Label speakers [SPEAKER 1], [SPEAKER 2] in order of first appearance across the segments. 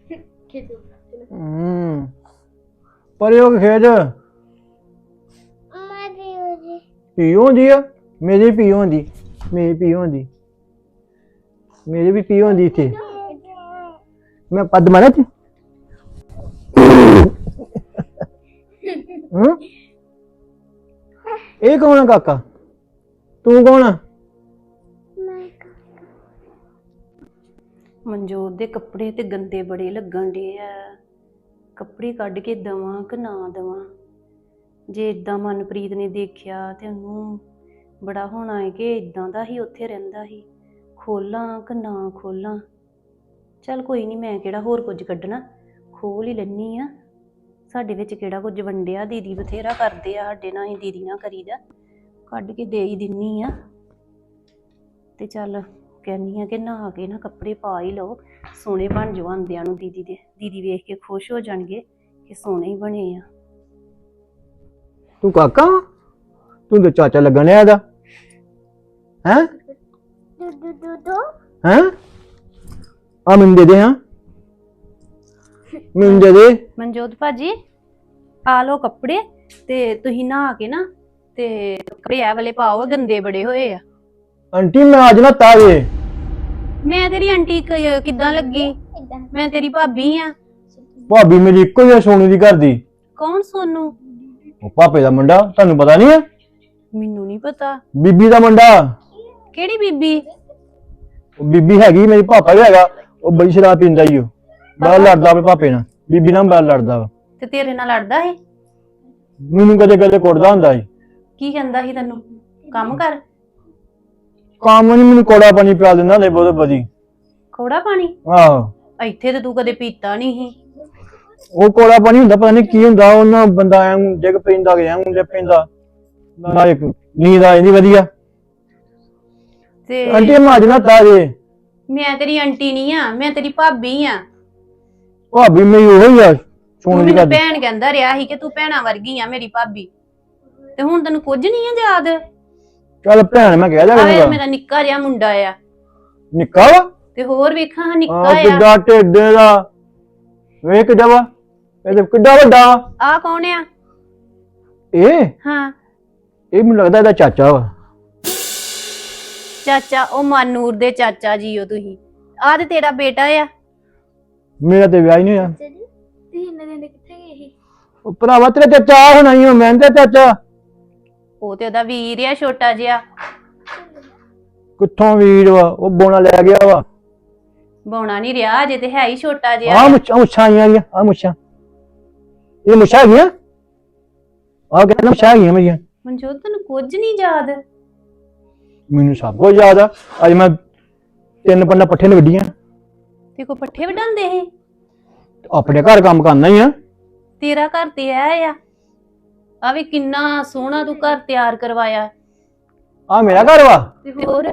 [SPEAKER 1] पर यो खेज पीओ होंदी है मेरी पीओ होंदी मेरी पीओ होंदी मेरी भी पीओ होंदी इत्थे मैं पद मारा थे ये कौन है काका तू कौन है
[SPEAKER 2] ਮਨਜੋਤ ਦੇ ਕੱਪੜੇ ਤੇ ਗੰਦੇ ਬੜੇ ਲੱਗਣ ਡੇ ਆ ਕੱਪੜੇ ਕੱਢ ਕੇ ਦਵਾਂ ਕਿ ਨਾ ਦਵਾਂ ਜੇ ਇਦਾਂ ਮਨਪ੍ਰੀਤ ਨੇ ਦੇਖਿਆ ਤੇ ਉਹਨੂੰ ਬੜਾ ਹੋਣਾ ਹੈ ਕਿ ਇਦਾਂ ਦਾ ਹੀ ਉੱਥੇ ਰਹਿੰਦਾ ਸੀ ਖੋਲਾਂ ਕਿ ਨਾ ਖੋਲਾਂ ਚੱਲ ਕੋਈ ਨਹੀਂ ਮੈਂ ਕਿਹੜਾ ਹੋਰ ਕੁਝ ਕੱਢਣਾ ਖੋਲ ਹੀ ਲੈਣੀ ਆ ਸਾਡੇ ਵਿੱਚ ਕਿਹੜਾ ਕੁਝ ਵੰਡਿਆ ਦੀਦੀ ਬਥੇਰਾ ਕਰਦੇ ਆ ਸਾਡੇ ਨਾਲ ਹੀ ਦੀਦੀ ਨਾਲ ਕਰੀਦਾ ਕੱਢ ਕੇ ਦੇ ਹੀ ਦਿੰਨੀ ਆ ਤੇ ਚੱਲ ਕਹਿੰਦੀ ਆ ਕਿ ਨਹਾ ਕੇ ਨਾ ਕੱਪੜੇ ਪਾ ਹੀ ਲਓ ਸੋਹਣੇ ਬਣ ਜਾਓ ਆਂਦਿਆਂ ਨੂੰ ਦੀਦੀ ਵੇਖ ਕੇ ਖੁਸ਼ ਹੋ ਜਾਣਗੇ ਕਿ ਸੋਹਣੇ ਹੀ ਬਣੇ ਆ
[SPEAKER 1] तू काका तू तो चाचा लगन है दा हैं हैं आ मैं दे हां मैं दे
[SPEAKER 2] ਮਨਜੋਤ ਭਾਜੀ ਆ ਲਓ ਕੱਪੜੇ ਤੇ ਤੁਸੀਂ ਨਹਾ ਕੇ ਨਾ ਤੇ ਕੱਪੜੇ ਐ ਵਾਲੇ ਪਾਓ ਗੰਦੇ ਬੜੇ ਹੋਏ ਆ
[SPEAKER 1] आंटी मैं आज ना तावे
[SPEAKER 2] ਮੈਂ ਤੇਰੀ ਆਂਟੀ ਕਿੱਦਾਂ ਲੱਗੀ ਮੈਂ ਤੇਰੀ ਭਾਬੀ ਆ
[SPEAKER 1] भाभी मेरी इको ही सोनू दी घर दी
[SPEAKER 2] ਕੌਣ ਸੋਨੂੰ
[SPEAKER 1] ओ पापे दा मुंडा तानू पता नहीं है
[SPEAKER 2] ਮੈਨੂੰ ਨਹੀਂ ਪਤਾ
[SPEAKER 1] बीबी दा मुंडा
[SPEAKER 2] ਕਿਹੜੀ ਬੀਬੀ
[SPEAKER 1] ओ बीबी हैगी मेरी पापा भी हैगा ओ बड़ी शराब पींदा ही ओ बड़ा लड़दा अपने पापे नाल बीबी नाल बड़ा लड़दा वा
[SPEAKER 2] ਤੇ ਤੇਰੇ ਨਾਲ ਲੜਦਾ ਸੀ
[SPEAKER 1] मैनू कदे कदे कुटदा हुंदा ਸੀ
[SPEAKER 2] ਕੀ ਕਹਿੰਦਾ ਸੀ ਤੈਨੂੰ ਕੰਮ ਕਰ
[SPEAKER 1] काम नहीं मैनू कोड़ा पानी पिला दिंदा ले बहुत बदी
[SPEAKER 2] ਕੋੜਾ ਪਾਣੀ
[SPEAKER 1] आहो
[SPEAKER 2] ਇੱਥੇ ਤੇ ਤੂੰ ਕਦੇ ਪੀਤਾ ਨਹੀਂ ਸੀ
[SPEAKER 1] ਉਹ ਕੋਲਾ ਪਾਣੀ ਹੁੰਦਾ ਪਤਾ ਨਹੀਂ ਕੀ ਹੁੰਦਾ ਉਹਨਾਂ ਬੰਦਾ ਐਂ ਡਿੱਗ ਪੈਂਦਾ ਗਿਆ ਹੁੰਦੇ ਪੈਂਦਾ ਨਾ ਇੱਕ ਨੀਂਦ ਆ ਜਾਂਦੀ ਵਧੀਆ
[SPEAKER 2] ਤੇ
[SPEAKER 1] ਆਂਟੀ ਮਾਜ ਨਾ ਤਾਰੇ
[SPEAKER 2] ਮੈਂ ਤੇਰੀ ਆਂਟੀ ਨਹੀਂ ਆ ਮੈਂ ਤੇਰੀ ਭਾਬੀ ਆ
[SPEAKER 1] ਭਾਬੀ ਮੇਰੀ ਉਹ ਹੀ ਆ
[SPEAKER 2] ਤੂੰ
[SPEAKER 1] ਸੋਣ ਦੀ
[SPEAKER 2] ਮੈਨੂੰ
[SPEAKER 1] ਗੱਲ
[SPEAKER 2] ਭੈਣ ਕਹਿੰਦਾ ਰਿਹਾ ਸੀ ਕਿ ਤੂੰ ਭੈਣਾ ਵਰਗੀ ਆ ਮੇਰੀ ਭਾਬੀ ਤੇ ਹੁਣ ਤੈਨੂੰ ਕੁਝ ਨਹੀਂ ਆ ਯਾਦ
[SPEAKER 1] ਚੱਲ ਭੈਣ ਮੈਂ ਕਹਿ
[SPEAKER 2] ਆਵੇ
[SPEAKER 1] ਦਿਆ
[SPEAKER 2] ਮੇਰਾ ਨਿੱਕਾ ਜਿਹਾ ਮੁੰਡਾ ਆ
[SPEAKER 1] ਨਿੱਕਾ ਵਾ
[SPEAKER 2] ਤੇ ਹੋਰ ਵੇਖਾਂ
[SPEAKER 1] ਆ
[SPEAKER 2] ਨਿੱਕਾ ਆ
[SPEAKER 1] ਕਿੱਡਾ ਢਿੱਡੇ ਦਾ ਵੇਖ ਜਵਾ ਇਹ ਤੇ ਕਿੱਡਾ ਵੱਡਾ
[SPEAKER 2] ਆ ਕੌਣ ਆ
[SPEAKER 1] ਇਹ
[SPEAKER 2] ਹਾਂ
[SPEAKER 1] ਮੈਨੂੰ ਲੱਗਦਾ ਇਹਦਾ ਚਾਚਾ ਵਾ
[SPEAKER 2] ਚਾਚਾ ਉਹ ਮਾਨੂਰ ਦੇ ਚਾਚਾ ਜੀ ਹੋ ਤੁਸੀਂ ਆ ਤੇ ਤੇਰਾ ਬੇਟਾ ਆ
[SPEAKER 1] ਮੇਰਾ ਤੇ ਵਿਆਹ ਹੀ ਨਹੀਂ ਹੋਇਆ
[SPEAKER 3] ਤੁਸੀਂ ਇੰਨੇ ਦਿਨ ਕਿੱਥੇ ਗਏ ਸੀ
[SPEAKER 1] ਉਹ ਭਰਾਵਾ ਤੇਰਾ ਚਾਚਾ ਹੋਣਾ ਹੀ ਮੈਂ ਤੇ ਚਾਚਾ
[SPEAKER 2] ਉਹ ਤੇ ਉਹਦਾ ਵੀਰ ਆ ਛੋਟਾ ਜਿਹਾ
[SPEAKER 1] ਕਿੱਥੋਂ ਵੀਰ ਵਾ ਉਹ ਬੋਣਾ ਲੈ ਗਿਆ ਵਾ
[SPEAKER 2] ਬੌਣਾ ਨਹੀਂ ਰਿਹਾ ਅਜੇ ਤੇ ਹੈ ਹੀ ਛੋਟਾ ਜਿਹਾ
[SPEAKER 1] ਆ ਮੁੱਛਾਂ ਆਈਆਂ ਆ ਮੁੱਛਾਂ ਇਹ ਮੁੱਛਾਂ ਹੈਗੀਆਂ ਆ ਕਹਿੰਦਾ ਮੁੱਛਾਂ ਹੈਗੀਆਂ ਮੇਰੀਆਂ
[SPEAKER 2] ਮਨਜੋਤ ਤੈਨੂੰ ਕੁਝ ਨਹੀਂ ਯਾਦ
[SPEAKER 1] ਮੈਨੂੰ ਸਭ ਕੁਝ ਯਾਦ ਆ ਅੱਜ ਮੈਂ 3 ਪੰਨਾ ਪੱਠੇ ਨੇ ਵੱਡੀਆਂ
[SPEAKER 2] ਤੇ ਕੋ ਪੱਠੇ ਵਡਾਉਂਦੇ ਸੀ
[SPEAKER 1] ਆਪਣੇ ਘਰ ਕੰਮ ਕਰਨਾ ਹੀ ਆ
[SPEAKER 2] ਤੇਰਾ ਘਰ ਤੇ ਆ ਵੀ ਕਿੰਨਾ ਸੋਹਣਾ ਤੂੰ ਘਰ ਤਿਆਰ ਕਰਵਾਇਆ
[SPEAKER 1] ਆ ਮੇਰਾ ਘਰ ਵਾ
[SPEAKER 2] ਤੇ ਹੋਰ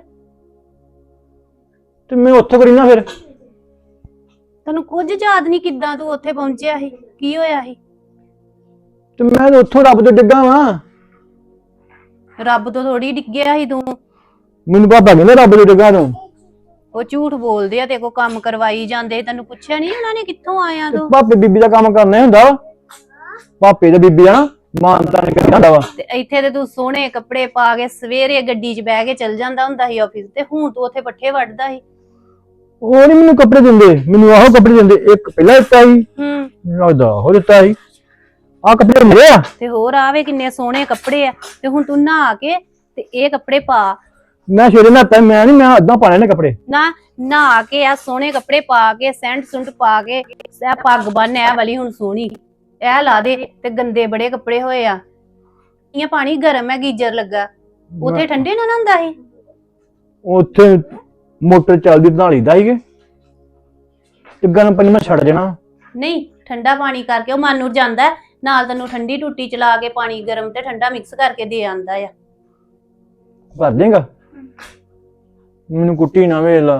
[SPEAKER 1] ਤੇ ਮੈਂ ਉੱਥੇ ਕਰੀ ਨਾ ਫਿਰ
[SPEAKER 2] ਤੈਨੂੰ ਕੁਝ ਯਾਦ ਨਹੀਂ ਕਿੱਦਾਂ ਤੂੰ ਉੱਥੇ ਪਹੁੰਚਿਆ ਸੀ ਕੀ ਹੋਇਆ ਸੀ
[SPEAKER 1] ਤੇ ਮੈਂ ਤਾਂ ਉੱਥੋਂ ਰੱਬ ਤੋਂ ਡਿੱਗਾ ਵਾਂ
[SPEAKER 2] ਰੱਬ ਤੋਂ ਥੋੜੀ ਡਿੱਗਿਆ ਸੀ ਤੂੰ
[SPEAKER 1] ਮੈਨੂੰ ਪਾਪਾ ਕਹਿੰਦਾ ਰੱਬ ਤੋਂ ਡਿੱਗਾ ਤੂੰ
[SPEAKER 2] ਉਹ ਝੂਠ ਬੋਲਦੇ ਆ ਤੇ ਕੋ ਕੰਮ ਕਰਵਾਈ ਜਾਂਦੇ ਤੈਨੂੰ ਪੁੱਛਿਆ ਨਹੀਂ ਉਹਨਾਂ ਨੇ ਕਿੱਥੋਂ ਆਇਆ ਤੂੰ
[SPEAKER 1] ਪਾਪੇ ਬੀਬੀ ਦਾ ਕੰਮ ਕਰਨਾ ਹੀ ਹੁੰਦਾ ਵਾ ਪਾਪੇ ਤੇ ਬੀਬੀ ਆ ਨਾ ਮਾਨਤਾ ਨੇ ਕਰਨਾ ਹੁੰਦਾ ਵਾ
[SPEAKER 2] ਤੇ ਇੱਥੇ ਤੇ ਤੂੰ ਸੋਹਣੇ ਕੱਪੜੇ ਪਾ ਕੇ ਸਵੇਰੇ ਗੱਡੀ 'ਚ ਬਹਿ ਕੇ ਚੱਲ ਜਾਂਦਾ ਹੁੰਦਾ ਸੀ ਆਫਿਸ ਤੇ ਹੁਣ ਤੂੰ ਉੱਥੇ ਪੱਠੇ ਵੱਢਦਾ ਸੀ
[SPEAKER 1] ਉਹ ਨਹੀਂ ਮੈਨੂੰ ਕੱਪੜੇ ਦਿੰਦੇ ਮੈਨੂੰ ਆਹੋ ਕੱਪੜੇ ਦਿੰਦੇ ਇੱਕ ਪਹਿਲਾਂ ਦਿੱਤਾ ਸੀ ਲੱਗਦਾ ਹੋ ਦਿੱਤਾ ਸੀ ਆ ਕੱਪੜੇ ਮੇਰੇ ਆ
[SPEAKER 2] ਤੇ ਹੋਰ ਆਵੇ ਕਿੰਨੇ ਸੋਹਣੇ ਕੱਪੜੇ ਆ ਤੇ ਹੁਣ ਤੂੰ ਨਹਾ ਕੇ ਤੇ ਇਹ ਕੱਪੜੇ ਪਾ
[SPEAKER 1] ਮੈਂ ਸ਼ੇਰੇ ਨਹਾਤਾ ਮੈਂ ਨਹੀਂ ਮੈਂ ਅੱਧਾ ਪਾਣੇ ਨੇ ਕੱਪੜੇ
[SPEAKER 2] ਨਾ ਨਹਾ ਕੇ ਆ ਸੋਹਣੇ ਕੱਪੜੇ ਪਾ ਕੇ ਸੈਂਟ ਸੁੰਟ ਪਾ ਕੇ ਇਹ ਪੱਗ ਬੰਨ ਐ ਵਾਲੀ ਹੁਣ ਸੋਹਣੀ ਇਹ ਲਾ ਦੇ ਤੇ ਗੰਦੇ ਬੜੇ ਕੱਪੜੇ ਹੋਏ ਆ ਇਹ ਪਾਣੀ ਗਰਮ ਹੈ ਗੀਜ਼ਰ ਲੱਗਾ ਉੱਥੇ ਠੰਡੇ ਨਾ ਹੁੰਦਾ ਸੀ
[SPEAKER 1] ਉੱਥੇ ਮੋਟਰ ਚੱਲਦੀ ਬਣਾ ਲਈਦਾ ਸੀਗੇ ਤੇ ਗਰਮ ਪਾਣੀ ਮੈਂ ਛੱਡ ਦੇਣਾ
[SPEAKER 2] ਨਹੀਂ ਠੰਡਾ ਪਾਣੀ ਕਰਕੇ ਉਹ ਮਾਨੂਰ ਜਾਂਦਾ ਨਾਲ ਤੈਨੂੰ ਠੰਡੀ ਟੂਟੀ ਚਲਾ ਕੇ ਪਾਣੀ ਗਰਮ ਤੇ ਠੰਡਾ ਮਿਕਸ ਕਰਕੇ ਦੇ ਆਂਦਾ ਆ
[SPEAKER 1] ਭਰ ਦੇਗਾ ਮੈਨੂੰ ਕੁੱਟੀ ਨਾ ਵੇਲਾ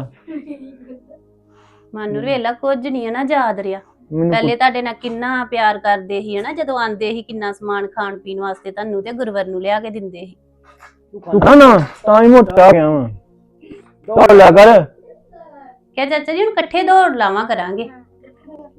[SPEAKER 2] ਮਾਨੂਰ ਵੇਲਾ ਕੁਝ ਨਹੀਂ ਹੈ ਨਾ ਯਾਦ ਰਿਹਾ ਪਹਿਲੇ ਤੁਹਾਡੇ ਨਾਲ ਕਿੰਨਾ ਪਿਆਰ ਕਰਦੇ ਸੀ ਹਨਾ ਜਦੋਂ ਆਂਦੇ ਸੀ ਕਿੰਨਾ ਸਮਾਨ ਖਾਣ ਪੀਣ ਵਾਸਤੇ ਤੁਹਾਨੂੰ ਤੇ ਗੁਰਵਰ ਨੂੰ ਲਿਆ ਕੇ ਦਿੰਦੇ ਸੀ
[SPEAKER 1] ਤੂੰ ਖਾਣਾ ਤਾਂ ਹੀ ਮੋਟਾ ਹੋ ਗਿਆ ਵਾ ਦੌੜ ਲਿਆ ਕਰ
[SPEAKER 2] ਕਿਹਾ ਚਾਚਾ ਜੀ ਹੁਣ ਇਕੱਠੇ ਦੌੜ ਲਾਵਾਂ ਕਰਾਂਗੇ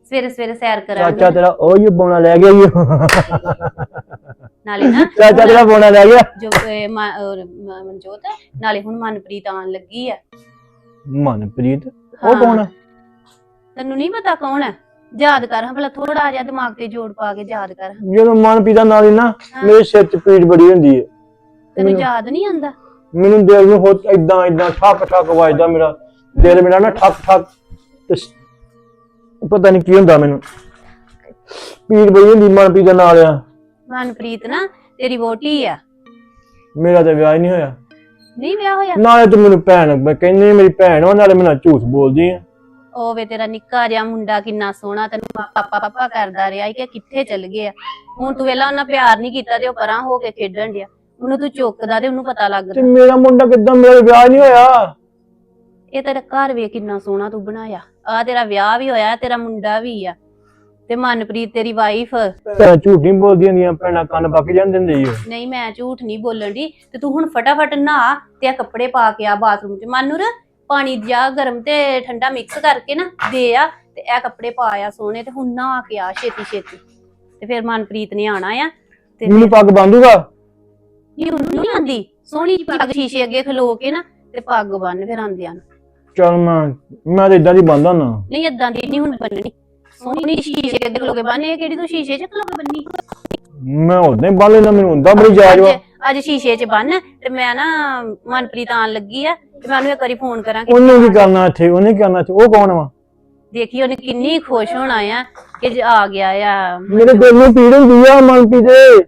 [SPEAKER 2] ਸਵੇਰੇ ਸਵੇਰੇ ਸੈਰ ਕਰਾਂਗੇ
[SPEAKER 1] ਚਾਚਾ ਤੇਰਾ ਉਹ ਹੀ ਬੋਣਾ ਲੈ ਗਿਆ ਈ
[SPEAKER 2] ਨਾਲੇ ਨਾ
[SPEAKER 1] ਚਾਚਾ ਤੇਰਾ ਬੋਣਾ ਲੈ ਗਿਆ।
[SPEAKER 2] ਜੋ ਮਨਜੋਤ ਨਾਲੇ ਹੁਣ ਮਨਪ੍ਰੀਤ ਆਉਣ ਲੱਗੀ ਆ।
[SPEAKER 1] ਮਨਪ੍ਰੀਤ
[SPEAKER 2] ਹਾਂ।
[SPEAKER 1] ਉਹ ਕੌਣ ਆ?
[SPEAKER 2] ਤੈਨੂੰ ਨਹੀਂ ਪਤਾ ਕੌਣ ਹੈ? ਯਾਦ ਕਰ ਹਾਂ ਭਲਾ, ਥੋੜਾ ਜਿਹਾ ਦਿਮਾਗ ਤੇ ਜੋੜ ਪਾ ਕੇ ਯਾਦ ਕਰ।
[SPEAKER 1] ਜਦੋਂ ਮਨਪ੍ਰੀਤ ਦਾ ਨਾਲ ਹੀ ਨਾ ਮੇਰੇ ਸਿਰ 'ਚ ਪੀੜ ਬੜੀ ਹੁੰਦੀ ਹੈ।
[SPEAKER 2] ਤੈਨੂੰ ਯਾਦ ਨਹੀਂ ਆਂਦਾ?
[SPEAKER 1] ਮੈਨੂੰ ਦਿਲ ਨੂੰ ਹੋ ਇਦਾਂ ਇਦਾਂ ਠੱਕ ਠੱਕ ਵੱਜਦਾ, ਮੇਰਾ ਦਿਲ ਮੇਰਾ ਨਾ ਠੱਕ ਠੱਕ ਤੇ ਪਤਾ ਨਹੀਂ ਕੀ ਹੁੰਦਾ, ਮੈਨੂੰ ਪੀੜ ਬੜੀ ਹੁੰਦੀ ਮਨਪ੍ਰੀਤ ਦਾ ਨਾਲ ਆ।
[SPEAKER 2] ਮਨਪ੍ਰੀਤ ਨਾ ਤੇਰੀ ਵੋਟੀ ਆ।
[SPEAKER 1] ਮੇਰਾ ਤਾਂ ਵਿਆਹ ਹੀ ਨਹੀਂ ਹੋਇਆ।
[SPEAKER 2] ਨਹੀਂ ਵਿਆਹ ਹੋਇਆ?
[SPEAKER 1] ਨਾਲੇ ਤੂੰ ਮੈਨੂੰ ਭੈਣ ਕਹਿੰਦੀ ਮੇਰੀ ਭੈਣ ਹੋ, ਨਾਲੇ ਮੈਨੂੰ ਝੂਠ ਬੋਲਦੀ ਆ।
[SPEAKER 2] ਉਹ ਵੇ ਤੇਰਾ ਨਿੱਕਾ ਜਿਹਾ ਮੁੰਡਾ ਕਿੰਨਾ ਸੋਹਣਾ, ਤੈਨੂੰ ਪਾਪਾ ਪਾਪਾ ਕਰਦਾ ਰਿਹਾ ਕਿ ਕਿੱਥੇ ਚੱਲ ਗਿਆ। ਹੁਣ ਤੂੰ ਵੇਲਾ ਉਹਨਾਂ ਪਿਆਰ ਨਹੀਂ ਕੀਤਾ ਤੇ ਉਹ ਪਰਾਂ ਹੋ ਕੇ ਖੇਡਣ ਡਿਆ। ਉਹਨੂੰ ਤੂੰ ਚੁੱਕਦਾ ਤੇ ਉਹਨੂੰ ਪਤਾ
[SPEAKER 1] ਤੇ
[SPEAKER 2] ਲੱਗਦਾ।
[SPEAKER 1] ਮੇਰਾ ਮੁੰਡਾ ਕਿੱਦਾਂ, ਮੇਰਾ ਵਿਆਹ ਨਹੀਂ ਹੋਇਆ।
[SPEAKER 2] ਇਹ ਤੇਰਾ ਘਰ ਵੇ ਕਿੰਨਾ ਸੋਹਣਾ ਤੂੰ ਬਣਾਇਆ। ਆ ਤੇਰਾ ਵਿਆਹ ਵੀ ਹੋਇਆ, ਤੇਰਾ ਮੁੰਡਾ ਵੀ ਆ, ਤੇ ਮਨਪ੍ਰੀਤ ਤੇਰੀ ਵਾਈਫ।
[SPEAKER 1] ਭੈਣਾਂ ਝੂਠ ਨਹੀਂ ਬੋਲਦੀਆਂ ਹੁੰਦੀਆਂ, ਭੈਣਾਂ ਕੰਨ ਪੱਕ ਜਾਂਦੇ ਹੁੰਦੇ ਈ ਓ।
[SPEAKER 2] ਨਹੀਂ ਮੈਂ ਝੂਠ ਨਹੀਂ ਬੋਲਣ ਦੀ। ਤੇ ਤੂੰ ਹੁਣ ਫਟਾਫਟ ਨਹਾ ਤੇ ਆ ਕੱਪੜੇ ਪਾ ਕੇ ਆ ਬਾਥਰੂਮ 'ਚ। ਮਾਨੂਰ ਪਾਣੀ ਜਾ ਗਰਮ ਤੇ ਠੰਡਾ ਮਿਕਸ ਕਰਕੇ ਨਾ ਦੇ ਆ ਤੇ ਇਹ ਕੱਪੜੇ ਪਾ ਆ ਸੋਹਣੇ, ਤੇ ਹੁਣ ਨਹਾ ਕੇ ਆ ਛੇਤੀ ਛੇਤੀ। ਤੇ ਫਿਰ ਮਨਪ੍ਰੀਤ ਨੇ ਆਣਾ ਆ ਤੇ
[SPEAKER 1] ਮੈਨੂੰ ਪੱਗ ਬੰਦੂਗਾ।
[SPEAKER 2] ਨਹੀਂ ਉਹਨੂੰ ਨਹੀਂ ਆਂਦੀ। ਸੋਹਣੀ ਜਿਹੀ ਪੱਗ ਸ਼ੀਸ਼ੇ ਅੱਗੇ ਖਲੋ ਕੇ ਨਾ ਤੇ ਪੱਗ ਬੰਨ ਫਿਰ ਆਂਦਿਆਂ ਨੂੰ।
[SPEAKER 1] ਚੱਲ ਮੈਂ ਤਾਂ ਇਦਾਂ ਦੀ ਬੰਦਾ ਨਾ।
[SPEAKER 2] ਨਹੀਂ ਏਦਾਂ ਦੀ ਨਹੀਂ ਹੁਣ ਬੰਨਣੀ। ਸੋਹਣੀ ਸ਼ੀਸ਼ੇ ਅੱਗੇ ਖਲੋ ਕੇ ਬੰਨ। ਇਹ ਕਿਹੜੀ ਤੂੰ ਸ਼ੀਸ਼ੇ 'ਚ ਖਲੋ ਕੇ ਬੰਨੀ?
[SPEAKER 1] ਮੈਂ ਉਦਾਂ ਹੀ ਬੰਨ ਲੈਂਦਾ, ਮੈਨੂੰ ਹੁੰਦਾ ਬੜੀ ਜਾਇਜ਼ ਵਾ।
[SPEAKER 2] ਅੱਜ ਸ਼ੀਸ਼ੇ 'ਚ ਬੰਨ ਤੇ ਮੈਂ ਨਾ ਮਨਪ੍ਰੀਤ ਆਣ ਲੱਗੀ ਆ ਤੇ ਮੈਂ ਉਹਨੂੰ ਇੱਕ ਵਾਰੀ ਫੋਨ ਕਰਾਂਗੀ।
[SPEAKER 1] ਉਹਨੇ ਕੀ ਕਰਨਾ ਇੱਥੇ, ਉਹਨੇ ਕੀ ਕਰਨਾ ਇੱਥੇ? ਉਹ ਕੌਣ ਵਾ?
[SPEAKER 2] ਦੇਖੀ ਉਹਨੇ ਕਿੰਨੀ ਖੁਸ਼ ਹੋਣਾ ਆ ਕਿ ਆ ਗਿਆ ਆ।
[SPEAKER 1] ਮੇਰੇ ਦਿਲ ਨੂੰ ਪੀੜ ਹੁੰਦੀ ਆ ਮਨਪ੍ਰੀਤ ਦੇ।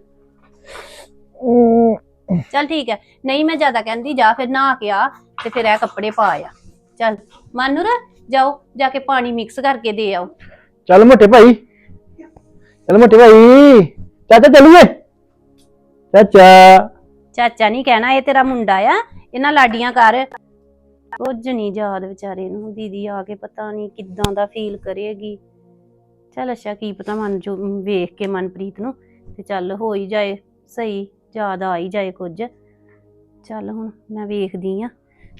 [SPEAKER 2] ਚੱਲ ਠੀਕ ਹੈ, ਨਹੀਂ ਮੈਂ ਜ਼ਿਆਦਾ ਕਹਿੰਦੀ। ਜਾ ਫਿਰ ਨਹਾ ਕੇ ਆ ਤੇ ਫਿਰ ਇਹ ਕੱਪੜੇ ਪਾ ਆ। ਚੱਲ ਮਾਨੂਰ ਜਾਓ, ਜਾ ਕੇ ਪਾਣੀ ਮਿਕਸ ਕਰਕੇ ਦੇ ਆਓ।
[SPEAKER 1] ਚੱਲ ਮੋਟੇ ਭਾਈ, ਚੱਲ ਮੋਟੇ ਭਾਈ। ਚਾਚਾ ਚੱਲੀਏ। ਚਾਚਾ
[SPEAKER 2] ਚਾਚਾ ਨਹੀਂ ਕਹਿਣਾ, ਇਹ ਤੇਰਾ ਮੁੰਡਾ ਆ। ਇਹਨਾਂ ਲਾਡੀਆਂ ਕਰ। ਕੁਝ ਨਹੀਂ ਯਾਦ ਵਿਚਾਰੇ ਨੂੰ। ਦੀਦੀ ਆ ਕੇ ਪਤਾ ਨਹੀਂ ਕਿੱਦਾਂ ਦਾ ਫੀਲ ਕਰੇਗੀ। ਚੱਲ ਅੱਛਾ ਕੀ ਪਤਾ ਮਨ ਜੋ ਵੇਖ ਕੇ ਮਨਪ੍ਰੀਤ ਨੂੰ ਤੇ ਚੱਲ ਹੋ ਹੀ ਜਾਏ ਸਹੀ, ਯਾਦ ਆ ਹੀ ਜਾਏ ਕੁਝ। ਚੱਲ ਹੁਣ ਮੈਂ ਵੇਖਦੀ ਆ।